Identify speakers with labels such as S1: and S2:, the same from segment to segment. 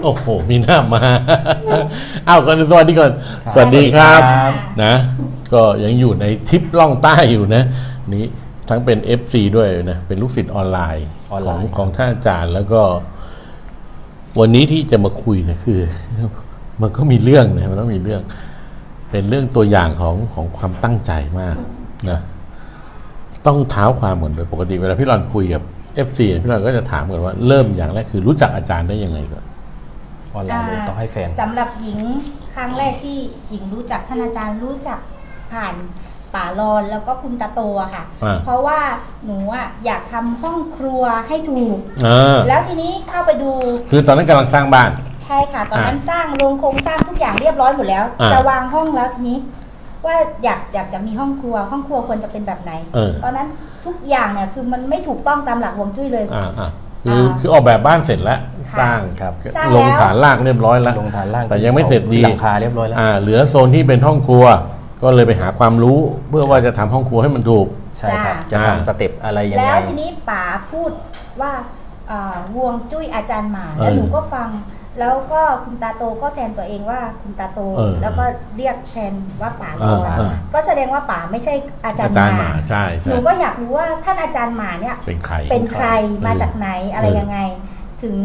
S1: โอ้โหมีหน้ามาอ้าวก่อนสวัสดีก่อนสวัสดีครับนะก็ยังอยู่ในทริปล่องใต้อยู่นะนี้ทั้งเป็น FC ด้วยนะเป็นลูกศิษย์ออนไลน์ของท่านอาจารย์แล้วก็วันนี้ที่จะมาคุยนะคือมันก็มีเรื่องนะมันต้องมีเรื่องเป็นเรื่องตัวอย่างของความตั้งใจมากนะต้องเท้าความเหมือนโดยปกติเวลาพี่รอนคุยกับ FC พี่รอนก็จะถามก่อนว่าเริ่มอย่างแรกคือรู้จักอาจารย์ได้ยังไงก่อน
S2: ออนไลน์เลยต้องให้แฟน
S3: สำหรับหญิงครั้งแรกที่หญิงรู้จักท่านอาจารย์รู้จักผ่านป่ารอนแล้วก็คุณตาโตอะค่ะเพราะว่าหนูอะอยากทำห้องครัวให้ถูกแล้วทีนี้เข้าไปดู
S1: คือตอนนั้นกำลังสร้างบ้าน
S3: ใช่ค่ะตอนนั้นสร้างโครงสร้างทุกอย่างเรียบร้อยหมดแล้วจะวางห้องแล้วทีนี้ว่าอยากจะมีห้องครัวควรจะเป็นแบบไหนตอนนั้นทุกอย่างเนี่ยคือมันไม่ถูกต้องตามหลักฮวงจุ้ยเลย
S1: คือออกแบบบ้านเสร็จแล้วสร้างครับลงฐานรากเรียบร้อยแล้ว
S2: ลงฐานราก
S1: แต่ยังไม่เสร็จดี
S2: หลังคาเรียบร้อยแล้ว
S1: เหลือโซนที่เป็นห้องครัวก็เลยไปหาความรู้เพื่อว่าจะทำห้องครัวให้มันถูก
S2: ใช่ครับจะทำสเต็ปอะไรยังไง
S3: แล้วทีนี้ป๋าพูดว่าฮวงจุ้ยอาจารย์หมาแล้วหนูก็ฟังแล้วก็คุณตาโตก็แทนตัวเองว่าคุณตาโตแล้วก็เรียกแทนว่าป๋าโตก็แสดงว่าป๋าไม่ใช่อาจารย์หมา
S1: ใช่
S3: หนูก็อยากรู้ว่าท่านอาจารย์หมาเนี่ยเป็นใครมาจากไหนอะไรยังไงถึง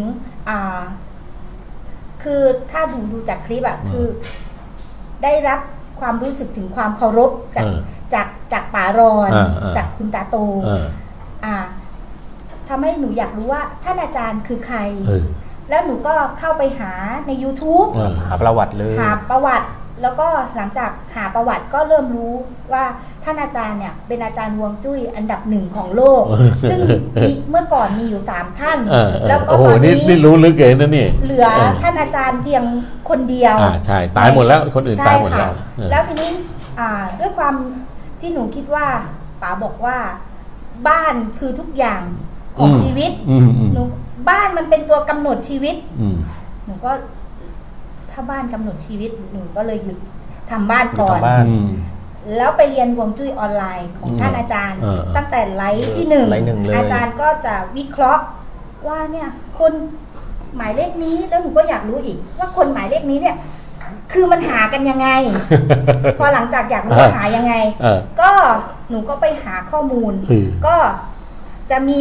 S3: คือถ้าดูจากคลิปอะคือได้รับความรู้สึกถึงความเคารพจากป๋ารอนจากคุณตาโตทำให้หนูอยากรู้ว่าท่านอาจารย์คือใครแล้วหนูก็เข้าไปหาใน YouTube
S2: หาประวัติเลย
S3: หาประวัติแล้วก็หลังจากหาประวัติก็เริ่มรู้ว่าท่านอาจารย์เนี่ยเป็นอาจารย์ฮวงจุ้ยอันดับ1ของโลกซึ่งเมื่อก่อนมีอยู่3ท่าน
S1: แล้วก็ตอนนี้รู้ลึกเลยนะนี่
S3: เหลือท่านอาจารย์เพียงคนเดียว
S1: ใช่ตายหมดแล้วคนอื่นตายหมดแล้ว
S3: แล้วทีนี้ด้วยความที่หนูคิดว่าป๋าบอกว่าบ้านคือทุกอย่างของชีวิตหนูบ้านมันเป็นตัวกำหนดชีวิตหนูก็ถ้าบ้านกำหนดชีวิตหนูก็เลยหยุดทำบ้านก่อนแล้วไปเรียนฮวงจุ้ยออนไลน์ของท่านอาจารย์ตั้งแต่ไลฟ์ที่1อาจารย์ก็จะวิเคราะห์ว่าเนี่ยคนหมายเลขนี้แล้วหนูก็อยากรู้อีกว่าคนหมายเลขนี้เนี่ยคือมันหากันยังไง พอหลังจากอยากรู้ว่าหายังไงก็หนูก็ไปหาข้อมูลก็จะมี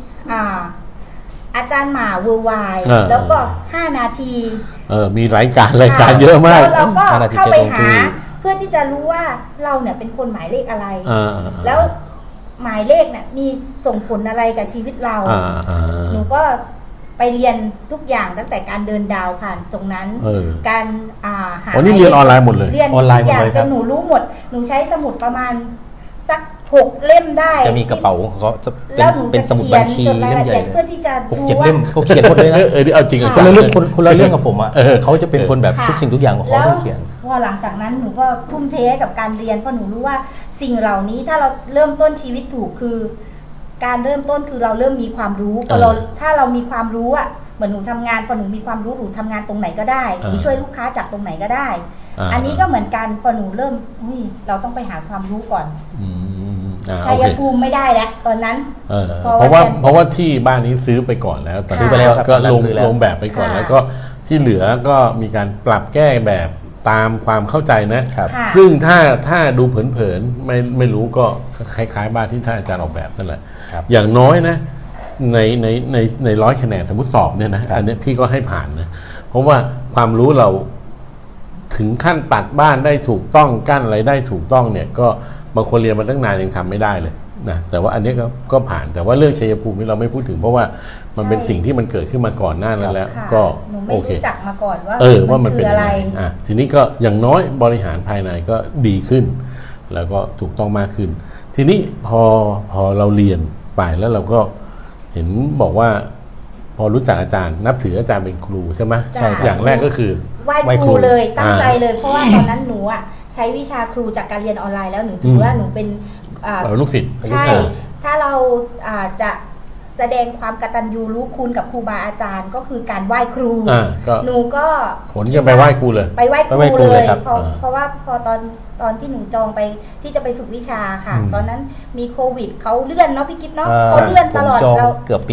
S3: อาจารย์หมาเวอร์ไวแล้วก็5นาที
S1: มีรายการเยอะมาก
S3: แล้วเราก็เข้าไปหาเพื่อที่จะรู้ว่าเราเนี่ยเป็นคนหมายเลขอะไรแล้วหมายเลขเนี่ยมีส่งผลอะไรกับชีวิตเราหนูก็ไปเรียนทุกอย่างตั้งแต่การเดินดาวผ่านตรงนั้นการ
S1: หานี่เรียนออนไลน์หมดเลย
S3: เรียนทุกอย่างจนหนูรู้หมดหนูใช้สมุดประมาณสัก6 เล่มได้
S2: จะมีกระเป๋าเขาจะเป็นสมุดบัญชีเล่มใหญ่
S3: เพื่อที่จะดู
S2: ว่าเขาเขียนหมดเลยนะ
S1: เอาจริง
S2: คนละเรื่องกับผมอ่ะเขาจะเป็นคนแบบทุกสิ่งทุกอย่างของเขาต้องเขียน
S3: พอหลังจากนั้นหนูก็ทุ่มเทให้กับการเรียนเพราะหนูรู้ว่าสิ่งเหล่านี้ถ้าเราเริ่มต้นชีวิตถูกคือการเริ่มต้นคือเราเริ่มมีความรู้พอถ้าเรามีความรู้อ่ะเหมือนหนูทำงานพอหนูมีความรู้หนูทำงานตรงไหนก็ได้หนูช่วยลูกค้าจากตรงไหนก็ได้อันนี้ก็เหมือนกันพอหนูเริ่มเราต้องไปหาความรู้ก่อนชัยภูมิไม่ได้แล้วตอนนั้น
S1: เพราะว่าที่บ้านนี้ซื้อไปก่อนแล้วซื้อไปแล้วก็ลงแบบไปก่อนแล้วก็ที่เหลือก็มีการปรับแก้แบบตามความเข้าใจนะซึ่งถ้าดูเผินๆไม่รู้ก็คล้ายๆบ้านที่ท่านอาจารย์ออกแบบนั่นแหละอย่างน้อยนะใน100 คะแนนสมมติสอบเนี่ยนะอันนี้พี่ก็ให้ผ่านนะเพราะว่าความรู้เราถึงขั้นตัดบ้านได้ถูกต้องกั้นอะไรได้ถูกต้องเนี่ยก็บางคนเรียนมาตั้งนานยังทำไม่ได้เลยนะแต่ว่าอันนี้ก็ผ่านแต่ว่าเรื่องชัยภูมินี่เราไม่พูดถึงเพราะว่ามันเป็นสิ่งที่มันเกิดขึ้นมาก่อนหน้านั้นแล้วก็
S3: โอเครู้จักมาก่อน
S1: ว่ามันเป็นอะไรทีนี้ก็อย่างน้อยบริหารภายในก็ดีขึ้นแล้วก็ถูกต้องมากขึ้นทีนี้พอเราเรียนไปแล้วเราก็เห็นบอกว่าพอรู้จักอาจารย์นับถืออาจารย์เป็นครูใช่ไหมอย่างแรกก็คือ
S3: ไหว้ครูเลยตั้งใจเลยเพราะว่าตอนนั้นหนูอ่ะใช้วิชาครูจากการเรียนออนไลน์แล้วหนูถือว่าหนูเป็น
S1: ลูกศิษย์
S3: ใช่ถ้าเราจะแสดงความกตัญญูรู้คุณกับครูบาอาจารย์ก็คือการไหว้ครูหนูก็
S1: ขนกันไปไหว้ครูเลย
S3: ไปไหว้ครูเลยเพราะว่าพอตอนที่หนูจองไปที่จะไปฝึกวิชาค่ะตอนนั้นมีโควิดเขาเลื่อนเนาะพี่กิ๊ฟเนาะเขาเลื่อนตลอด
S2: เราเกือบปี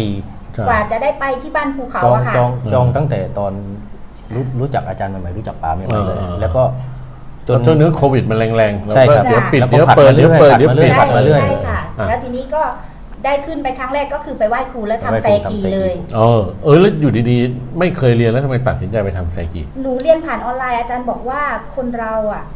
S3: กว่าจะได้ไปที่บ้านภูเขาอะค่ะ
S2: จองตั้งแต่ตอนรู้จักอาจารย์ใหม่ๆรู้จักป๋าใหม่ๆเลยแล้วก็
S1: จนช่วงนี้โควิดมันแรงๆ
S2: ใช่ครับ
S1: เดี๋ยวปิดเดี๋ยวเปิดเดี๋ยวเปิดเดี๋ยวปิด
S2: ผัดมาเรื่อย
S3: ใช่ค่ะแล้วทีนี้ก็ได้ขึ้นไปครั้งแรกก็คือไปไหว้ครูแล้วทำแซกีเลย
S1: แล้วอยู่ดีๆไม่เคยเรียนแล้วทำไมตัดสินใจไปทำแซกี
S3: หนูเรียนผ่านออนไลน์อาจารย์บอกว่าคนเรา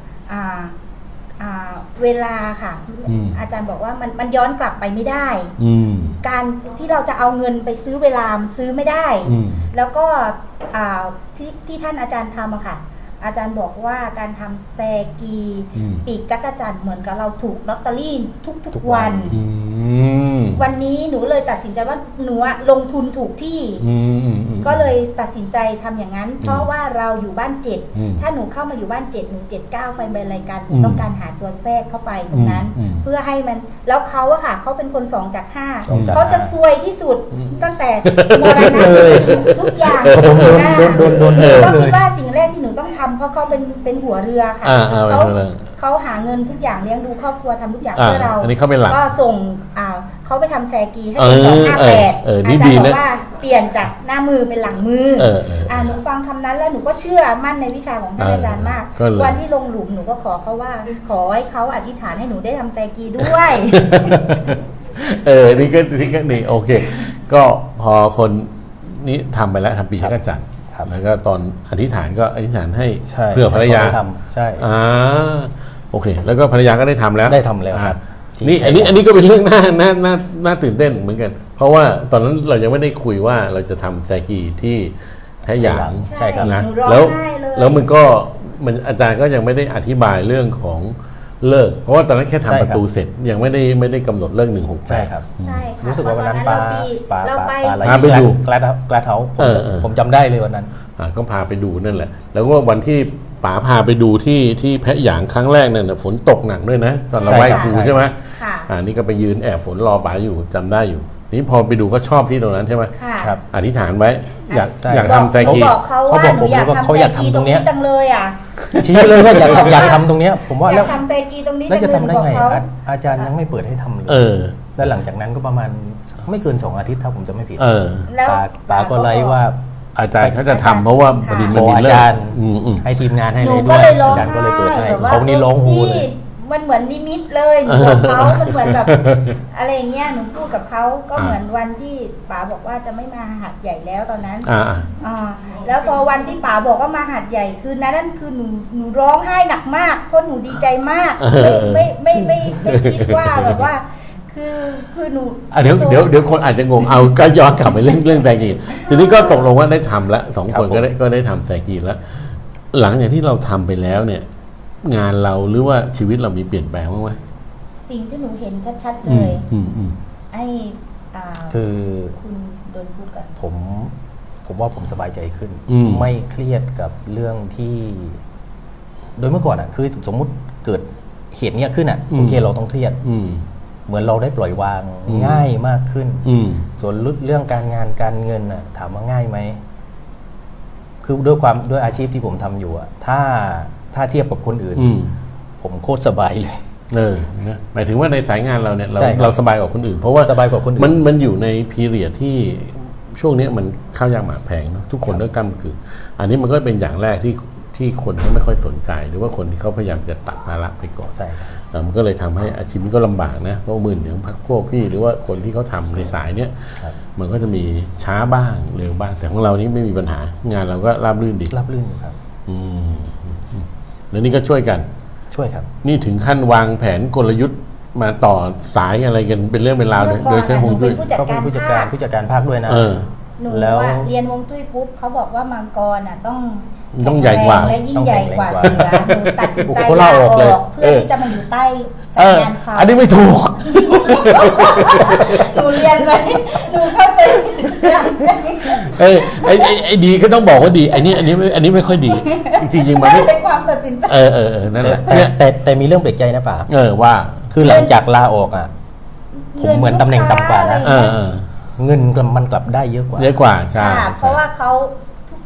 S3: เวลาค่ะอาจารย์บอกว่ามันย้อนกลับไปไม่ได้การที่เราจะเอาเงินไปซื้อเวลามันซื้อไม่ได้แล้วก็ที่ท่านอาจารย์ทำอะค่ะอาจารย์บอกว่าการทำแซกีปีกจักรจั่นเหมือนกับเราถูกลอตเตอรี่ทุกวันวันนี้หนูเลยตัดสินใจว่าหนูลงทุนถูกที่ก็เลยตัดสินใจทำอย่างนั้นเพราะว่าเราอยู่บ้าน7ถ้าหนูเข้ามาอยู่บ้าน7หนู79ไฟใบรายการต้องการหาตัวแทรกเข้าไปตรงนั้นเพื่อให้มันแล้วเขาอะค่ะเขาเป็นคน2 จาก 5เขาจะซวยที่สุดตั้งแต่มรณะทุกอย่างก็คิดว่าสิ่งแรกที่หนูต้องทำเพราะเขาเป็นหัวเรือค่ะเขาหาเงินทุกอย่างเลี้ยงดูครอบครัวทำทุกอย่างเพื่อเรา
S1: อันนี้เขาเป็นหลัก
S3: ก็ส่งเขาไปทำแซกีให้เป็น258อาจารย์บอกว่าเปลี่ยนจากหน้ามือเป็นหลังมือหนูฟังคำนั้นแล้วหนูก็เชื่อมั่นในวิชาของท่านอาจารย์มากวันที่ลงหลุมหนูก็ขอเขาว่าขอให้เขาอธิษฐานให้หนูได้ทำแซกีด้วย
S1: นี่ก็นี่โอเคก็พอคนนี้ทำไปแล้วทำปีจักรจั่นแล้วก็ตอนอธิษฐานก็อธิษฐานให้เพื่อภรรยา
S2: ใช่
S1: โอเคแล้วก็ภรรยาก็ได้ทำแล้ว
S2: ครับ
S1: นี่อันนี้ก็เป็นเรื่องน่าตื่นเต้นเหมือนกันเพราะว่าตอนนั้นเรายังไม่ได้คุยว่าเราจะทำแซกีที่แท้หยาง
S3: ใช่ครับ
S1: นะแล้วมันอาจารย์ก็ยังไม่ได้อธิบายเรื่องของเลิกเพราะว่าตอนนั้นแค่ทำประตูเสร็จยังไม่ได้กำหนดเลิก168
S2: ใช่ครับรู้สึกว่าวันนั้น
S3: พา
S2: ไปดูแกลเท้าผมจำได้เลยวันนั้น
S1: ก็พาไปดูนั่นแหละแล้วก็วันที่ป๋าพาไปดูที่แพะหยางครั้งแรกเนี่ยฝนตกหนักด้วยนะตอนเราไหว้ครูใช่ไหมนี่ก็ไปยืนแอบฝนรอป๋าอยู่จำได้อยู่นี่พอไปดูก็ชอบที่ตรงนั้นใช่ไหม
S3: ครับ
S1: อธิษฐานไว้อยากทำแซกี
S3: เขาบอกผมว่าเขาอยากทำตรงนี้จังเลย
S2: ชี้เลยว่าอยากทำตรงนี้ผมว่าแล้ว
S3: ทำแซกีตรงนี้
S2: แล้วจะทำได้ไงอาจารย์ยังไม่เปิดให้ทำเลยแล้วหลังจากนั้นก็ประมาณไม่เกิน2 อาทิตย์ถ้าผมจะไม่ผิด
S3: แล้ว
S2: ป๋าก็ไลฟ์ว่า
S1: อาจารย์เขาจะทำเพราะว่าพอดีมันมี
S2: อาจารย์ให้ทีมงานให้เลยด้วยอาจารย์ก็เลยเปิดให้เขานี่ร้องฮูเลย
S3: มันเหมือนนิมิตเลยหนูบอกเขามันเหมือนแบบอะไรเงี้ยหนูพูดกับเขาก็เหมือนวันที่ป๋าบอกว่าจะไม่มาหัดใหญ่แล้วตอนนั้นแล้วพอวันที่ป๋าบอกว่ามาหัดใหญ่คืนนั้นคือหนูร้องไห้หนักมากเพราะหนูดีใจมากไม่คิดว่าแบบว่าคือหนู
S1: เดี๋ยวคนอาจจะงงเอาก็ย้อนกลับไปเรื่องแซกีทีนี้ก็ตกลงว่าได้ทำแล้ว2 คนก็ได้ทำแซกีแล้วหลังจากที่เราทำไปแล้วเนี่ยงานเราหรือว่าชีวิตเรามีเปลี่ยนแปลงบ้างไหม
S3: สิ่งที่หนูเห็นชัดๆเลย
S2: คือ
S3: คุณโดนพูดก่อน
S2: ผมว่าผมสบายใจขึ้นไม่เครียดกับเรื่องที่โดยเมื่อก่อนคือสมมุติเกิดเหตุเนี้ยขึ้นโอเคเราต้องเครียดเหมือนเราได้ปล่อยวางง่ายมากขึ้นส่วนเรื่องการงานการเงินถามว่าง่ายไหมคือด้วยอาชีพที่ผมทำอยู่ถ้าเทียบกับคนอื่นผมโคตรสบายเลย
S1: หมายถึงว่าในสายงานเราเนี่ยเราสบายกว่าคนอื่นเพราะว่า
S2: สบายกว่าคนอื่น
S1: มันอยู่ในพีเรียดที่ช่วงนี้มันข้าวยากหมากแพงเนาะทุกคนต้องกำกึ่งอันนี้มันก็เป็นอย่างแรกที่คนเขาไม่ค่อยสนใจหรือว่าคนที่เขาพยายามจะตัดภาระไปก่อนมันก็เลยทำให้อาชีพนี้ก็ลำบากนะเพราะมือหนึ่งพักพวกพี่หรือว่าคนที่เขาทำในสายเนี้ยมันก็จะมีช้าบ้างเร็วบ้างแต่ของเรานี้ไม่มีปัญหางานเราก็ราบรื่นดี
S2: ราบรื่นครับ
S1: แล้วนี่ก็ช่วยกัน
S2: ช่วยครับ
S1: นี่ถึงขั้นวางแผนกลยุทธ์มาต่อสายอะไรกันเป็นเรื่องเป็นราวเลยโดยใช้ฮวงจุ้ย
S2: ก็เป็นผู้จัดการภาคด้วยนะ
S3: หนูเรียนฮวงจุ้ยปุ๊บเขาบอกว่ามังกร
S1: ต้องใหญ่กว่า
S3: และยิ่งใหญ่กว่าเสือหนูตัดสินใจลาออกเพื่อที่จะมาอยู่ใต้สายงานเขา
S1: อันนี้ไม่ถูก
S3: หนูเรียนไปหนูเข้าใจ
S1: ไอ้ดีก็ต้องบอกว่าดีอันนี้ไม่ค่อยดีจริงๆมันไม่
S3: เป็นความตัดสินใจ
S1: นั่นแหละ
S2: แต่มีเรื่องแปลกใจนะป๋า
S1: ว่า
S2: คือหลังจากลาออกผมเหมือนตำแหน่งต่ำกว่านะเงินมันกลับได้เยอะกว่า
S1: ใช่
S3: เพราะว่าเขาทุก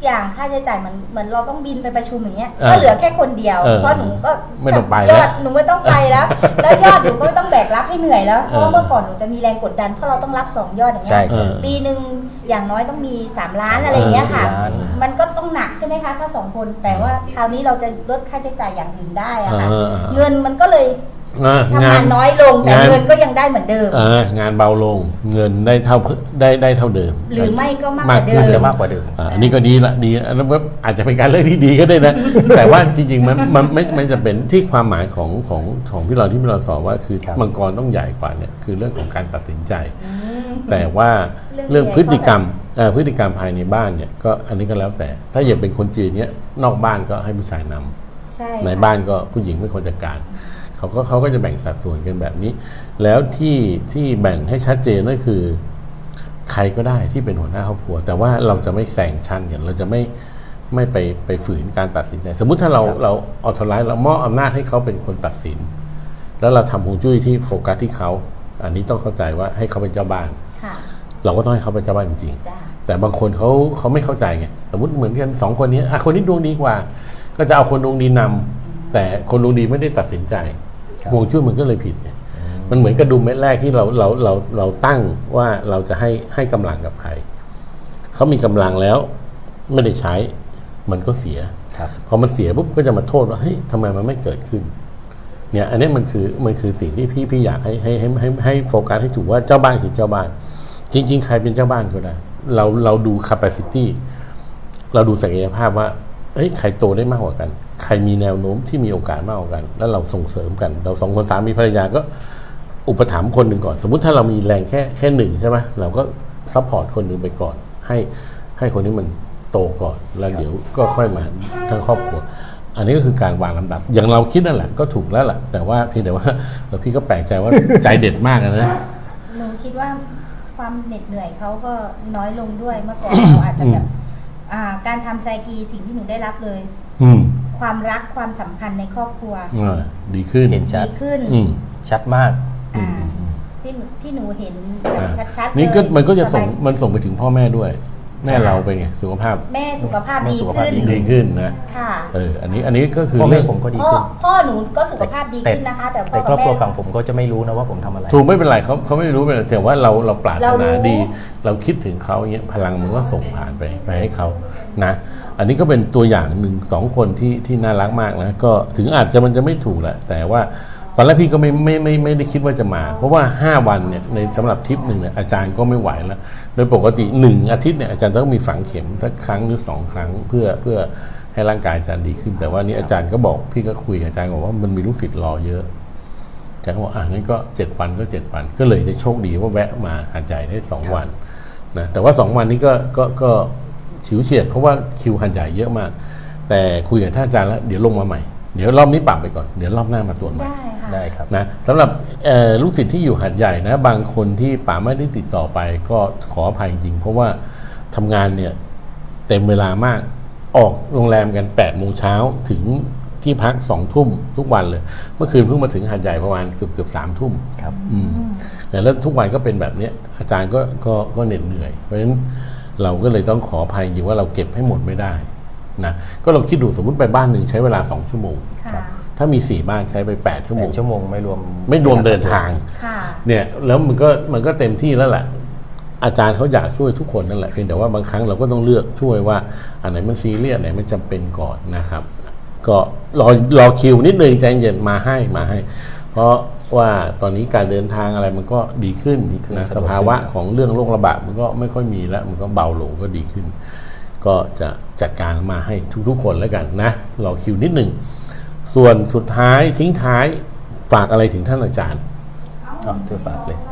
S3: อย่างค่าใช้จ่ายเหมือนเราต้องบินไปประชุมอย่างเงี้ย
S1: เออ
S3: ก็เหลือแค่คนเดียว
S1: เออ
S3: เพราะหนูก็
S1: ไม่ต้องไป
S3: ย
S1: แล้
S3: อ
S1: ว
S3: ดหนูไม่ต้องไปแล้ว แล้วยอดหนูก็ไม่ต้องแบกรับให้เหนื่อยแล้วเพราะว่าเมื่อก่อนหนูจะมีแรงกดดันเพราะเราต้องรับ2ยอดอย่างเงี้
S2: ใช่
S3: ย
S2: ครับ
S3: ปีหนึ่งอย่างน้อยต้องมี3 ล้านอะไรอย่างเงี้ยค่ะ
S2: 4 ล้าน
S3: มันก็ต้องหนักใช่ไหมคะถ้า2 คนแต่ว่าคราวนี้เราจะลดค่าใช้จ่ายอย่างอื่นได้อะค่ะ เงินมันก็เลยทำงานน้อยลงแต่เงินก็ยังได้เหมือนเดิม
S1: งานเบาลงเงินได้เท่าเดิม
S3: หรือไม่ก็มากกว่าเดิม
S2: จะมากกว่าเดิม
S1: อันนี้ก็ดีละดีอันนั้นก็อาจจะเป็นการเลือกที่ดีก็ได้นะ แต่ว่าจริงๆมันไม่จะเป็นที่ความหมายของพี่เราสอนว่าคือ
S2: ครับ
S1: มังกรต้องใหญ่กว่าเนี่ยคือเรื่องของการตัดสินใจ แต่ว่า
S3: เรื่
S1: เรื่อ
S3: อง ง
S1: พฤติกรรมพฤติกรรมภายในบ้านเนี่ยก็อันนี้ก็แล้วแต่ ถ้าอย่างเป็นคนจีนเนี่ยนอกบ้านก็ให้ผู้ชายนำ
S3: ใช่
S1: ในบ้านก็ผู้หญิงเป็นคนจัดการเขาก็จะแบ่งสัดส่วนกันแบบนี้ แล้วที่แบ่งให้ชัดเจนก็คือใครก็ได้ที่เป็นหัวหน้าครอบครัว แต่ว่าเราจะไม่แซงชั้นกันเราจะไม่ไปฝืนการตัดสินใจ สมมุติถ้าเราออโตไลท์เรามอบอำนาจให้เขาเป็นคนตัดสิน แล้วเราทำฮวงจุ้ยที่โฟกัสที่เขาอันนี้ต้องเข้าใจว่าให้เขาเป็นเจ้าบ้าน
S3: ค่ะ
S1: เราก็ต้องให้เขาเป็นเจ้าบ้านจริงๆ
S3: จ้า
S1: แต่บางคนเขาไม่เข้าใจไงสมมติเหมือนกัน2 คนนี้คนนี้ดวงดีกว่า ก็จะเอาคนดวงดีนำแต่คนดวงดีไม่ได้ตัดสินใจ
S2: ครับ
S1: ฮวงจุ้ยมันก็เลยผิดเนี่ยมันเหมือนกระดุมเม็ดแรกที่เราตั้งว่าเราจะให้กำลังกับใครเขามีกำลังแล้วไม่ได้ใช้มันก็เสีย
S2: ครับ
S1: พอมันเสียปุ๊บก็จะมาโทษว่าเฮ้ยทำไมมันไม่เกิดขึ้นเนี่ยอันนี้มันคือสิ่งที่พี่อยากให้โฟกัสให้ถูกว่าเจ้าบ้านคือเจ้าบ้าน จริงๆใครเป็นเจ้าบ้านก็ได้เราดู capacity เราดูศักยภาพว่าเฮ้ยใครโตได้มากกว่ากัน ใครมีแนวโน้มที่มีโอกาสมากกว่ากัน แล้วเราส่งเสริมกัน เรา2 คนสามีภรรยาก็อุปถัมภ์คนหนึ่งก่อน สมมุติถ้าเรามีแรงแค่1ใช่ไหมเราก็ซัพพอร์ตคนหนึ่งไปก่อนให้คนนี้มันโตก่อนแล้วเดี๋ยวก็ค่อยมาทั้งครอบครัว อันนี้ก็คือการวางลำดับ อย่างเราคิดนั่นแหละก็ถูกแล้วแหละแต่ว่าเพียงแต่ว่าพี่ก็แปลกใจว่า ใจเด็ดมากนะ
S3: หนูคิดว่าความเหน็ดเหนื่อยเขาก็น้อยลงด้วยเมื่อก่อนเราอาจจะแบบการทำไซกีสิ่งที่หนูได้รับเลย ความรักความสัมพันธ์ในครอบครัว
S1: ดีขึ้น
S2: เห็นชั
S3: ดี
S2: ด
S3: ขึ้น
S2: ชัดมาก
S3: ที่หนูเห็นแบบชัดๆ
S1: นี่ก็
S3: เลย
S1: มันก็จะส่ง
S3: สบาย
S1: มันส่งไปถึงพ่อแม่ด้วย แม่เราเป็นไงสุขภาพ
S3: แม่สุขภาพ
S2: แม่
S3: ดี
S2: สุขภาพ
S3: ขึ้น
S1: ดีขึ้นนะ
S3: ค่ะ
S1: อันนี้ก็คือ
S2: พ่อแม่
S1: เรื่อง
S2: ผมก็ดี
S3: พ่อ
S2: ขึ้น
S3: พ่อหนูก็สุขภาพดีขึ้นนะคะ แต่พ่อ
S2: แต่คร
S3: กั
S2: อ
S3: บบ
S2: ครัว
S3: แม่
S2: ฝั่งผมก็จะไม่รู้นะว่าผมทำอะไร
S1: ถูกไม่เป็นไรเขาไม่รู้เป็นไรแต่ว่าเราปรารถ
S3: เรารู้
S1: นาดี เราคิดถึงเขาอย่างเงี้ยพลังมันก็ส่งผ่านไปให้เขานะอันนี้ก็เป็นตัวอย่าง1-2 คนที่น่ารักมากนะก็ถึงอาจจะมันจะไม่ถูกแหละแต่ว่าตอนแรกพี่ก็ไม่ได้คิดว่าจะมา เพราะว่า5 วันเนี่ยในสำหรับทริปหนึ่งเนี่ยอาจารย์ก็ไม่ไหวแล้วโดยปกติ1 อาทิตย์เนี่ยอาจารย์ต้องมีฝังเข็มสักครั้งหรือ2 ครั้งเพื่อให้ร่างกายอาจารย์ดีขึ้น แต่ว่านี่อาจารย์ก็บอกพี่ก็คุยกับอาจารย์บอกว่ามันมีลูกศิษย์รอเยอะอาจารย์ก็บอกงั้นก็7 วันก็7 วันก็เลยได้โชคดีว่าแวะมาหาดใหญ่ได้2 วันนะแต่ว่า2 วันนี้ก็ฉิวเฉียดเพราะว่าคิวหันใหญ่เยอะมากแต่คุยกับท่านอาจารย์แล้วเดี๋ยวลงมาใหม่เดี๋ยวรอบนี้ปรับไปก่อนเดี๋ยวรอบหน้ามาตรวจใหม่
S3: ได้ค่ะ
S2: ได้ครับ
S1: นะสำหรับลูกศิษย์ที่อยู่หัดใหญ่นะบางคนที่ป๋าไม่ได้ติดต่อไปก็ขออภัยจริงเพราะว่าทำงานเนี่ยเต็มเวลามากออกโรงแรมกัน8 โมงเช้าถึงที่พัก2 ทุ่มทุกวันเลยเมื่อคืนเพิ่งมาถึงหัดใหญ่ประมาณเกือบ3 ทุ่ม
S2: ครับ
S1: แล้วทุกวันก็เป็นแบบนี้อาจารย์ก็เหน็ดเหนื่อยเพราะฉะนั้นเราก็เลยต้องขออภัยจริงว่าเราเก็บให้หมดไม่ได้นะก็ลองคิดดูสมมติไปบ้านหนึ่งใช้เวลา2 ชั่วโมง
S3: ค่ะ
S1: ถ้ามี4 บ้านใช้ไป8 ชั่วโมง
S2: 8 ชั่วโมงไม่รวม
S1: เดินทาง
S3: ค่ะ
S1: เนี่ยแล้วมันก็เต็มที่แล้วแหละอาจารย์เขาอยากช่วยทุกคนนั่นแหละเพียงแต่ว่าบางครั้งเราก็ต้องเลือกช่วยว่าอันไหนมันซีเรียสอันไหนมันจำเป็นก่อนนะครับ ก็รอคิวนิดนึงใจเย็นมาให้ เพราะว่าตอนนี้การเดินทางอะไรมันก็ดีขึ้นนะสภาวะของเรื่องโรคระบาดมันก็ไม่ค่อยมีแล้วมันก็เบาลงก็ดีขึ้น ก็จะจัดการมาให้ทุกคนแล้วกันนะรอคิวนิดนึงส่วนสุดท้ายทิ้งท้ายฝากอะไรถึงท่านอาจารย์
S2: เธอฝากเลย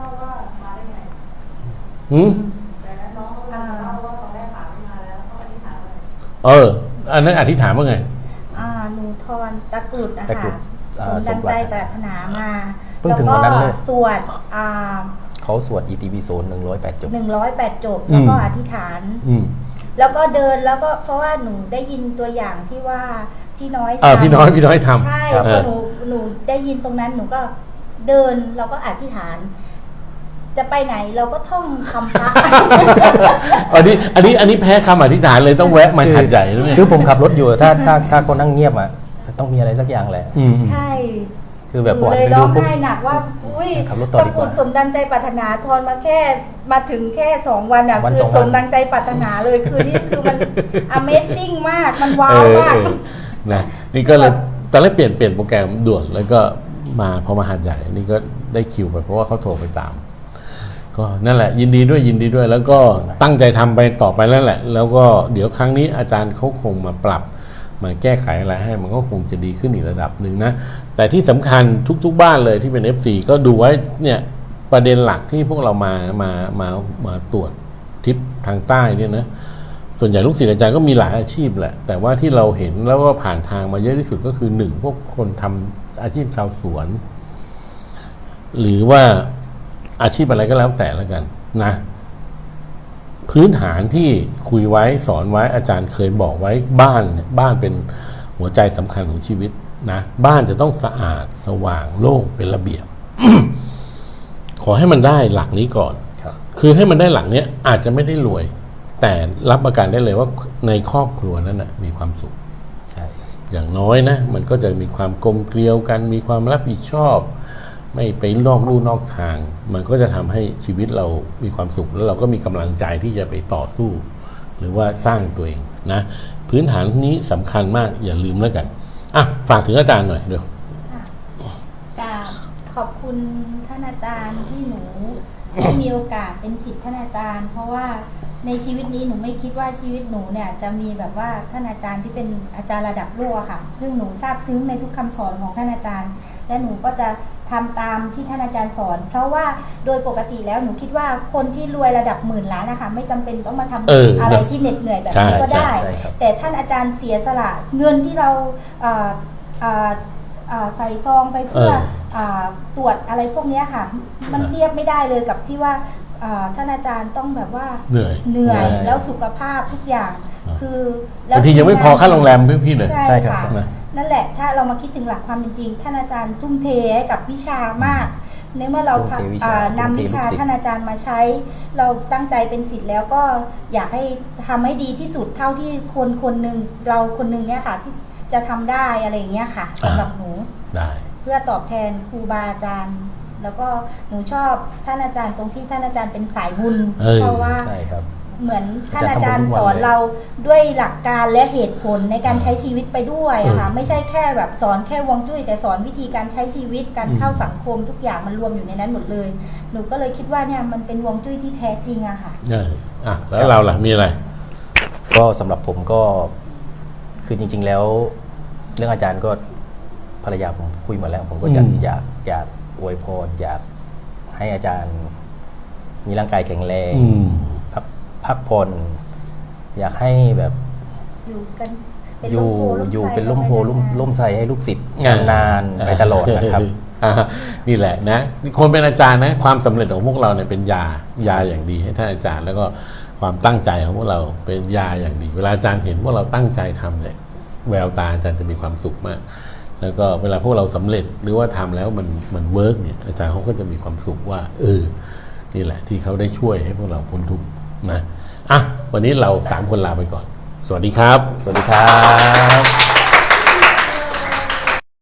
S1: อันนั้นอธิษฐานว่าไง
S3: หนูทอนตะกรุดนะ
S2: ตะกรุ
S3: คะ
S2: ด
S3: สมดังใจปรารถนามา
S2: เพิ่งถึงวันนั้นเลย
S3: สวด
S2: เขาสวด ETV 108 จบ
S3: 108 จบแล้วก็อธิษฐาน แล้วก็เดินแล้วก็เพราะว่าหนูได้ยินตัวอย่างที่ว่าพี่น้อย
S1: พี่น้อยทำ
S3: ใช่
S1: ครับ
S3: พอหนูได้ยินตรงนั้นหนูก็เดินแล้วก็อธิษฐานจะไปไหนเราก็ท่องคำพระ
S1: อันนี้แพ้คำอธิษฐานเลยต้องแวะมาหัดใหญ่ด้วย
S2: คือผมขับรถอยู่ถ้าคนนั่งเงียบอ่ะต้องมีอะไรสักอย่างแหละ
S3: ใช่
S2: คือแบบ
S3: หนูเลยร้องไห้หนักว่าอุ้ย
S2: ขับรถต่อ
S3: ตะ
S2: ดีก
S3: กรุ
S2: ว่า
S3: ดสมดังใจปรารถนาทอนมาถึงแค่2 วันอ่ะ
S2: วัน
S3: คือ
S2: 2 วัน
S3: สมดังใจปรารถนาเลยคือนี่คือมัน Amazing มากมันว้าวมาก
S1: นะนี่ก็เลยตอนแรกเปลี่ยนโปรแกรมด่วนแล้วก็พอมาหัดใหญ่นี่ก็ได้คิวไปเพราะว่าเขาโทรไปตาม ก็นั่นแหละยินดีด้วยแล้วก็ตั้งใจทำไปต่อไปแล้วแหละ แล้วก็เดี๋ยวครั้งนี้อาจารย์เขาคงมาปรับมาแก้ไขอะไรให้มันก็คงจะดีขึ้นอีกระดับหนึ่งนะแต่ที่สำคัญทุกบ้านเลยที่เป็น FC ก็ดูไว้เนี่ยประเด็นหลักที่พวกเรามาตรวจทิศทางใต้เนี่ยนะส่วนใหญ่ลูกศิษย์อาจารย์ก็มีหลายอาชีพแหละแต่ว่าที่เราเห็นแล้วก็ผ่านทางมาเยอะที่สุดก็คือ1พวกคนทำอาชีพชาวสวนหรือว่าอาชีพอะไรก็แล้วแต่แล้วกันนะพื้นฐานที่คุยไว้สอนไว้อาจารย์เคยบอกไว้บ้านเป็นหัวใจสำคัญของชีวิตนะบ้านจะต้องสะอาดสว่างโล่งเป็นระเบียบ ขอให้มันได้หลักนี้ก่อนคือให้มันได้หลักนี้อาจจะไม่ได้รวยแต่รับประกันได้เลยว่าในครอบครัวนั้นนะมีความสุขอย่างน้อยนะมันก็จะมีความกลมเกลียวกันมีความรับผิดชอบไม่ไปนอกลู่นอกทางมันก็จะทำให้ชีวิตเรามีความสุขแล้วเราก็มีกำลังใจที่จะไปต่อสู้ หรือว่าสร้างตัวเองนะพื้นฐานนี้สำคัญมากอย่าลืมแล้วกันอ่ะฝากถึงอาจารย์หน่อยเดี๋ยว
S3: ขอบคุณท่านอาจารย์ที่หนูได้มีโอกาสเป็นศิษย์ท่านอาจารย์เพราะว่าในชีวิตนี้หนูไม่คิดว่าชีวิตหนูเนี่ยจะมีแบบว่าท่านอาจารย์ที่เป็นอาจารย์ระดับโลกค่ะซึ่งหนูซาบซึ้งในทุกคำสอนของท่านอาจารย์และหนูก็จะทำตามที่ท่านอาจารย์สอนเพราะว่าโดยปกติแล้วหนูคิดว่าคนที่รวยระดับหมื่นล้านนะคะไม่จำเป็นต้องมาทำอะไรที่เหน็ดเหนื่อยแบบนี้ก็ได้แต่ท่านอาจารย์เสียสละเงินที่เราใส่ซองไปเพื่อตรวจอะไรพวกนี้ค่ะมันเทียบไม่ได้เลยกับที่ว่าท่านอาจารย์ต้องแบบว่าเหนื่อยแล้วสุขภาพทุกอย่างคือบ
S1: างทียังไม่พอค่าโรงแรมพี่เลย
S3: ใช่ค่ะนั่นแหละถ้าเรามาคิดถึงหลักความเป็นจริงท่านอาจารย์ทุ่มเทให้กับวิชามากในเมื่อเรานำวิชาท่านอาจารย์มาใช้เราตั้งใจเป็นศิษย์แล้วก็อยากให้ทำให้ดีที่สุดเท่าที่คนหนึ่งเราคนหนึ่งเนี่ยค่ะที่จะทำได้อะไรอย่างเงี้ยค่ะสำหรับหนู
S1: ได้
S3: เพื่อตอบแทนครูบาอาจารย์แล้วก็หนูชอบท่านอาจารย์ตรงที่ท่านอาจารย์เป็นสายบุญเพราะว่าเหมือนท่านอาจารย์สอนเราด้วยหลักการและเหตุผลในการใช้ชีวิตไปด้วยค่ะไม่ใช่แค่แบบสอนแค่ฮวงจุ้ยแต่สอนวิธีการใช้ชีวิตการเข้าสังคมทุกอย่างมันรวมอยู่ในนั้นหมดเลยหนูก็เลยคิดว่าเนี่ยมันเป็นฮวงจุ้ยที่แท้จริงอะค่ะ
S1: แล้วเราล่ะมีอะไร
S2: ก็สำหรับผมก็คือจริงๆแล้วเรื่องอาจารย์ก็ภรรยาผมคุยมาแล้วผมก็อยากอวยพรอยากให้อาจารย์มีร่างกายแข็งแรงพักผ่อนอยากให้แบบอยู่เป็นร่มโพล่มไทรให้ลูกศิษย์นานไปตลอดนะครับ
S1: นี่แหละนะคนเป็นอาจารย์นะความสำเร็จของพวกเราเนี่ยเป็นยาอย่างดีให้ท่านอาจารย์แล้วก็ความตั้งใจของพวกเราเป็นยาอย่างดีเวลาอาจารย์เห็นพวกเราตั้งใจทำเนี่ยแววตาอาจารย์จะมีความสุขมากแล้วก็เวลาพวกเราสำเร็จหรือว่าทำแล้วมันเวิร์กเนี่ยอาจารย์เขาก็จะมีความสุขว่านี่แหละที่เขาได้ช่วยให้พวกเราพ้นทุกข์นะวันนี้เรา3 คนลาไปก่อนสวัสดีครับ
S2: สวัสดีครับ